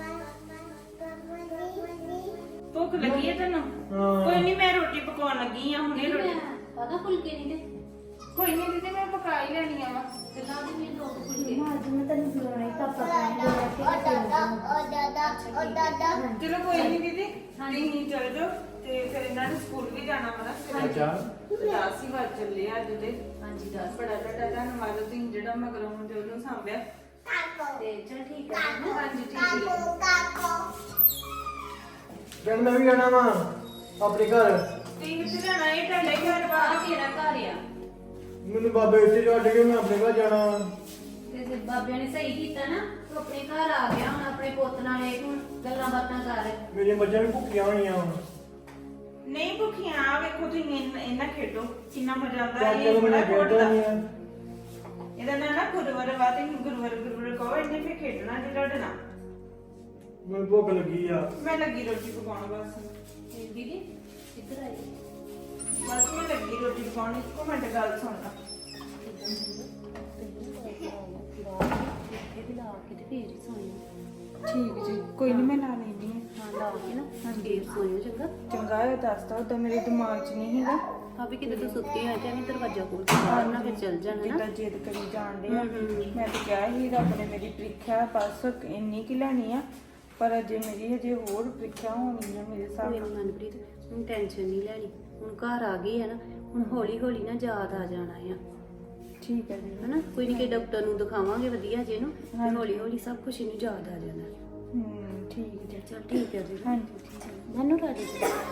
[SPEAKER 5] ਭੁੱਖ ਲੱਗੀ ਹੈ ਤੈਨੂੰ
[SPEAKER 1] ਹਾਂ।
[SPEAKER 5] ਕੋਈ ਨਹੀਂ ਮੈਂ ਰੋਟੀ ਪਕਾਉਣ ਲੱਗੀ ਆ ਹੁਣੇ ਰੋਟੀ
[SPEAKER 2] ਪਤਾ ਫੁਲਕੇ ਨਹੀਂ ਤੇ
[SPEAKER 5] ਕੋਈ ਨਹੀਂ ਦੀਦੀ ਮੈਂ ਪਕਾ ਹੀ ਲੈਣੀਆਂ ਵਾ
[SPEAKER 3] ਅੱਜ ਮੈਂ ਤੈਨੂੰ ਬੁਲਾਉਣਾ ਹੀ ਪਾਪਾ ਕਹਿੰਦੇ
[SPEAKER 5] ਚਲੋ ਕੋਈ ਨਹੀਂ ਦੀਦੀ ਤੁਸੀਂ ਚਲ ਜਾਓ ਤੇ ਫਿਰ ਇਹਨਾਂ ਨੇ ਸਕੂਲ ਵੀ ਜਾਣਾ ਵਾ ਨਾ
[SPEAKER 1] ਅੱਛਾ
[SPEAKER 5] 10 ਹੀ ਵੱਜ ਚੱਲੇ ਆ ਅੱਜ ਦੇ ਹਾਂਜੀ 10 ਬੜਾ ਤੁਹਾਡਾ ਧੰਨਵਾਦ ਤੁਸੀਂ ਜਿਹੜਾ ਮਗਰੋਂ ਤੇ ਉਹਨੂੰ ਸਾਂਭਿਆ ਤੇ ਚਲ ਠੀਕ ਹੈ ਹਾਂਜੀ ਠੀਕ ਹੈ
[SPEAKER 1] ਜਦ ਮੈਂ ਵੀ ਜਾਣਾ ਵਾ ਆਪਣੇ ਘਰ
[SPEAKER 5] ਤੁਸੀਂ ਕਿੱਥੇ ਜਾਣਾ ਇਹ ਤੁਹਾਡਾ ਹੀ ਘਰ ਵਾ
[SPEAKER 2] ਤੇਰਾ ਘਰ ਆ
[SPEAKER 1] ਮੈਨੂੰ ਬਾਬੇ ਇੱਥੇ ਛੱਡ ਕੇ ਮੈਂ ਆਪਣੇ ਘਰ ਜਾਣਾ ਵਾ।
[SPEAKER 2] ਤੇ ਬਾਬਿਆਂ ਨੇ ਸਹੀ ਕੀਤਾ ਨਾ ਤੂੰ ਆਪਣੇ ਘਰ ਆ ਗਿਆ ਹੁਣ ਆਪਣੇ ਪੁੱਤ ਨਾਲ ਇਹ ਹੁਣ ਗੱਲਾਂ ਬਾਤਾਂ ਕਰ
[SPEAKER 1] ਮੇਰੀਆਂ ਮੱਝਾਂ ਵੀ ਭੁੱਖੀਆਂ ਹੋਣੀਆਂ ਵਾ।
[SPEAKER 5] ਨਹੀਂ ਭੁੱਖੀਆਂ ਆ ਵੇਖੋ ਤੁਸੀਂ ਇਹਨਾਂ ਖੇਡੋ ਕਿੰਨਾ ਮਜ਼ਾ ਆਉਂਦਾ
[SPEAKER 1] ਚਾਚਾ
[SPEAKER 5] ਇਹ
[SPEAKER 1] ਨੂੰ
[SPEAKER 5] ਬੜਾ
[SPEAKER 1] ਮੈਂ ਖੇਡਦਾ
[SPEAKER 5] ਖੋੜਦਾ
[SPEAKER 1] ਨਹੀਂ ਆ।
[SPEAKER 5] ਇਹਦਾ ਨਾਂ ਨਾ ਗੁਰਵਰ ਵਾ ਤੇ ਗੁਰਵਰ ਕਹੋ ਇਹਨੇ ਫੇ ਖੇਡਣਾ ਜੇ ਲੜਨਾ
[SPEAKER 1] ਮੈਨੂੰ ਭੁੱਖ ਲੱਗੀ ਆ।
[SPEAKER 5] ਮੈਂ ਲੱਗੀ ਰੋਟੀ ਪਕਾਉਣ ਬਸ
[SPEAKER 2] ਦੀਦੀ ਇੱਧਰ ਆਈ
[SPEAKER 5] ਬਸ ਮੈਂ ਲੱਗੀ ਰੋਟੀ ਪਕਾਉਣ ਇੱਕੋ ਮਿੰਟ ਗੱਲ ਸੁਣਨਾ
[SPEAKER 2] ਇਹ ਵੀ ਲਾ ਕੇ ਤੇ ਫੇਰ ਹੀ ਸੋਈਓ
[SPEAKER 5] ਠੀਕ ਜੀ ਕੋਈ ਨਹੀਂ ਮੈਂ ਲਾ ਲੈਂਦੀ
[SPEAKER 2] ਹਾਂ ਲਾ ਕੇ ਨਾ ਫੇਰ ਸੋਈਓ ਚੰਗਾ
[SPEAKER 5] ਚੰਗਾ ਹੈ ਦੱਸਦਾ ਉਦੋਂ ਮੇਰੇ ਦਿਮਾਗ 'ਚ ਨਹੀਂ ਹੈਗਾ
[SPEAKER 2] ਆ ਵੀ ਕਿਤੇ ਤੂੰ ਸੁੱਤੀ ਹੋਈ ਤੇ ਐਵੇਂ ਦਰਵਾਜ਼ਾ ਖੋਲ ਕੇ ਬਾਹਰ ਨਾ ਫਿਰ ਚੱਲ ਜਾਣਾ ਨਾ
[SPEAKER 5] ਜਿੱਦਾਂ ਜਿੱਦ ਕਰੀ ਜਾਣ ਡਏ ਆ ਮੈਂ ਤਾਂ ਕਿਹਾ ਸੀ ਰੱਬ ਨੇ ਮੇਰੀ ਪ੍ਰੀਖਿਆ ਬਸ ਇੰਨੀ ਕੀ ਲੈਣੀ ਆ ਪਰ ਅਜੇ ਮੇਰੀ ਹਜੇ ਹੋਰ ਪ੍ਰੀਖਿਆ ਹੋਣੀ ਆ ਮੇਰੇ ਹਿਸਾਬ
[SPEAKER 2] ਕੋਈ
[SPEAKER 5] ਨਾਲ
[SPEAKER 2] ਨੀ ਮਨਪ੍ਰੀਤ ਹੁਣ ਟੈਨਸ਼ਨ ਨਹੀਂ ਲੈਣੀ ਹੁਣ ਘਰ ਆ ਗਈ ਹੈ ਨਾ ਹੁਣ ਹੌਲੀ ਹੌਲੀ ਨਾ ਯਾਦ ਆ ਜਾਣਾ ਆ
[SPEAKER 5] ਠੀਕ ਹੈ ਜੀ
[SPEAKER 2] ਹਨਾ ਕੋਈ ਨਹੀਂ ਕਿ ਡਾਕਟਰ ਨੂੰ ਦਿਖਾਵਾਂਗੇ ਵਧੀਆ ਜੇ ਨੂੰ ਤੇ ਹੌਲੀ ਹੌਲੀ ਸਭ ਕੁਝ ਇਹਨੂੰ ਯਾਦ ਆ ਜਾਣਾ
[SPEAKER 5] ਠੀਕ ਜੀ
[SPEAKER 2] ਚਲ ਠੀਕ ਹੈ ਜੀ
[SPEAKER 5] ਹਾਂਜੀ ਠੀਕ ਹੈ
[SPEAKER 2] ਮੈਨੂੰ ਰਾਜੀ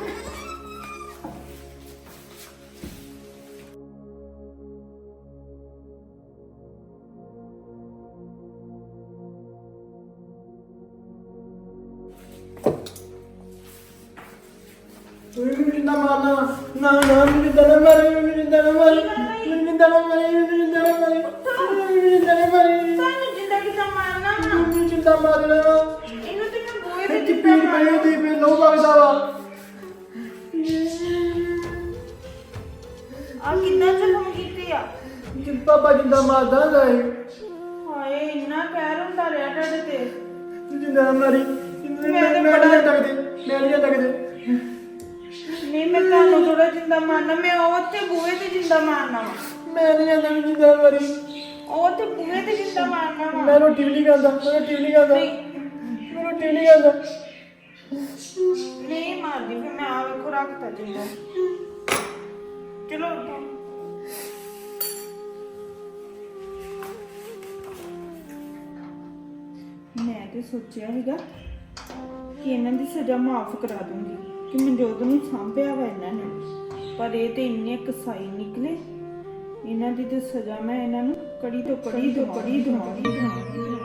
[SPEAKER 1] ਤੂੰ ਵੀ ਮੈਨੂੰ ਜਿੰਦਾ ਮਾਰਨਾ ਵਾ। ਨਾ ਨਾ ਮੈਨੂੰ ਜਿੰਦਾ ਨਾ ਮਾਰੀ ਮੈਨੂੰ ਜਿੰਦਾ ਨਾ ਮਾਰੀ ਮੈਨੂੰ ਜਿੰਦਾ ਨਾ ਮਾਰੀ ਮੈਨੂੰ ਜਿੰਦਾ ਨਾ ਮਾਰੀ ਮੈਨੂੰ ਜਿੰਦਾ ਨਾ ਮਾਰੀ
[SPEAKER 5] ਤੁਹਾਨੂੰ ਜਿੰਦਾ ਕਿਦਾਂ ਮਾਰਨਾ ਵਾ
[SPEAKER 1] ਮੈਨੂੰ ਜਿੰਦਾ ਮਾਰਨਾ ਵਾ।
[SPEAKER 5] ਇਹਨੂੰ ਤੇ ਮੈਂ ਬੋਏ
[SPEAKER 1] ਇਹ
[SPEAKER 5] ਤੇ
[SPEAKER 1] ਚ ਪੀੜ ਪਈ ਹੁੰਦੀ ਪਈ ਲੋ ਵਗਦਾ ਵਾ।
[SPEAKER 5] ਆ ਕਿੰਨਾ ਜ਼ਖਮ ਕੀਤੀ ਆ
[SPEAKER 1] ਜਿੰ ਪਾਪਾ ਜਿੰਦਾ ਮਾਰਦਾ ਹੁੰਦਾ ਸੀ।
[SPEAKER 5] ਹਾਏ ਇੰਨਾ ਕਹਿਰ ਹੁੰਦਾ ਰਿਹਾ ਤੁਹਾਡੇ ਤੇ
[SPEAKER 1] ਤੂੰ ਜਿੰਦਾ ਨਾ ਮਾਰੀ ਮੈਂ ਨਹੀਂ ਤੱਕਦੇ ਮੈਂ ਨਹੀਂ ਤੱਕਦੇ
[SPEAKER 5] ਨਹੀਂ ਮੈਂ ਤੁਹਾਨੂੰ ਥੋੜਾ ਜਿੰਦਾ ਮਾਰਨਾ ਮੈਂ ਉਹ ਤੇ ਬੂਹੇ ਤੇ ਜਿੰਦਾ ਮਾਰਨਾ ਵਾ
[SPEAKER 1] ਮੈਂ ਨਹੀਂ ਜਾਂਦਾ ਮੈਨੂੰ ਜਿੰਦਾ ਨਾ ਮਾਰੀ
[SPEAKER 5] ਉਹ ਤੇ ਬੂਹੇ ਤੇ ਜਿੰਦਾ ਮਾਰਨਾ ਵਾ
[SPEAKER 1] ਮੈਂ ਰੋਟੀ ਵੀ ਨਹੀਂ ਖਾਂਦਾ ਮੈਂ ਰੋਟੀ ਵੀ ਨਹੀਂ ਖਾਂਦਾ ਮੈਂ ਰੋਟੀ ਵੀ ਨਹੀਂ ਖਾਂਦਾ
[SPEAKER 5] ਨਹੀਂ ਮਾਰਦੀ ਫਿਰ ਮੈਂ ਆ ਵੇਖੋ ਰੱਖਤਾ ਜਿੰਦਾ ਚਲੋ ਉਠੋ ਮੈਂ ਤੇ ਸੋਚਿਆ ਸੀਗਾ ਕਿ ਇਹਨਾਂ ਦੀ ਸਜ਼ਾ ਮਾਫ ਕਰਾ ਦੂੰਗੀ ਕਿ ਮਨਜੋਤ ਨੂੰ ਸਾਂਭਿਆ ਵਾ ਇਹਨਾਂ ਨੇ ਪਰ ਇਹ ਤੇ ਇੰਨੇ ਕਸਾਈ ਨਿਕਲੇ ਇਹਨਾਂ ਦੀ ਤੇ ਸਜ਼ਾ ਮੈਂ ਇਹਨਾਂ ਨੂੰ ਕੜੀ ਤੋਂ ਕੜੀ ਦਵਾਂਗੀ